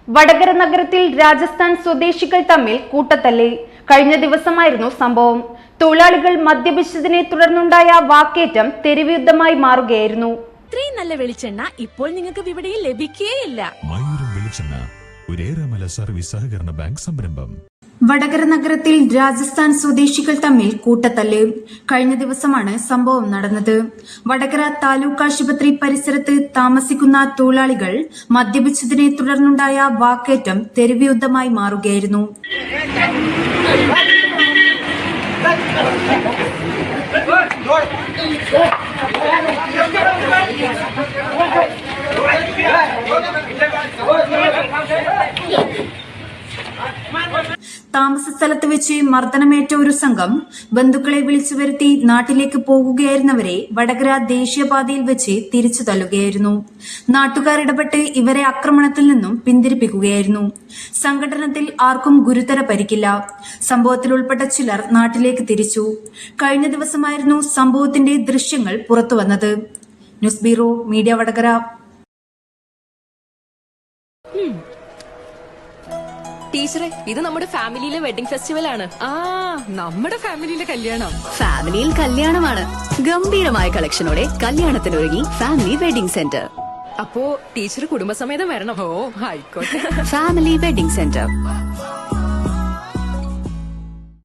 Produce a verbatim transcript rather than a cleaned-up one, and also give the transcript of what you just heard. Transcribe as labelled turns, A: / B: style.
A: വടകര നഗരത്തിൽ രാജസ്ഥാൻ സ്വദേശികൾ തമ്മിൽ കൂട്ടത്തല്ല്. കഴിഞ്ഞ ദിവസമായിരുന്നു സംഭവം. തൊഴിലാളികൾ മദ്യപിച്ചതിനെ തുടർന്നുണ്ടായ വാക്കേറ്റം തെരുവുയുദ്ധമായി മാറുകയായിരുന്നു.
B: ഇത്രയും നല്ല വെളിച്ചെണ്ണ ഇപ്പോൾ നിങ്ങൾക്ക് വിപണിയിൽ ലഭിക്കുകയില്ല.
C: സർവീസ് സഹകരണ ബാങ്ക് സംരംഭം.
A: വടകര നഗരത്തിൽ രാജസ്ഥാൻ സ്വദേശികൾ തമ്മിൽ കൂട്ടത്തല്ല്. കഴിഞ്ഞ ദിവസമാണ് സംഭവം നടന്നത്. വടകര താലൂക്ക് ആശുപത്രി പരിസരത്ത് താമസിക്കുന്ന തൊഴിലാളികൾ മദ്യപിച്ചതിനെ തുടർന്നുണ്ടായ വാക്കേറ്റം തെരുവുയുദ്ധമായി മാറുകയായിരുന്നു. താമസ സ്ഥലത്ത് വെച്ച് മർദ്ദനമേറ്റ ഒരു സംഘം ബന്ധുക്കളെ വിളിച്ചു വരുത്തി നാട്ടിലേക്ക് പോകുകയായിരുന്നവരെ വടകര ദേശീയപാതയിൽ വെച്ച് തിരിച്ചു തള്ളുകയായിരുന്നു. നാട്ടുകാർ ഇടപെട്ട് ഇവരെ ആക്രമണത്തിൽ നിന്നും പിന്തിരിപ്പിക്കുകയായിരുന്നു. സംഘടനത്തിൽ ആർക്കും ഗുരുതര പരിക്കില്ല. സംഭവത്തിൽ ഉൾപ്പെട്ട ചിലർ നാട്ടിലേക്ക് തിരിച്ചു. കഴിഞ്ഞ ദിവസമായിരുന്നു സംഭവത്തിന്റെ ദൃശ്യങ്ങൾ പുറത്തുവന്നത്. News bureau media Vadakara.
D: ടീച്ചറെ, ഇത് നമ്മുടെ ഫാമിലിയിലെ വെഡിങ് ഫെസ്റ്റിവൽ ആണ്.
B: ആ നമ്മുടെ ഫാമിലിയിലെ കല്യാണം.
E: ഫാമിലിയിൽ കല്യാണമാണ്. ഗംഭീരമായ കളക്ഷനോടെ കല്യാണത്തിനൊരുങ്ങി ഫാമിലി വെഡിംഗ് സെന്റർ.
D: അപ്പോ ടീച്ചർ കുടുംബസമേതം വരണം.
B: ഓ ആയിക്കോട്ടെ.
E: Family wedding centre.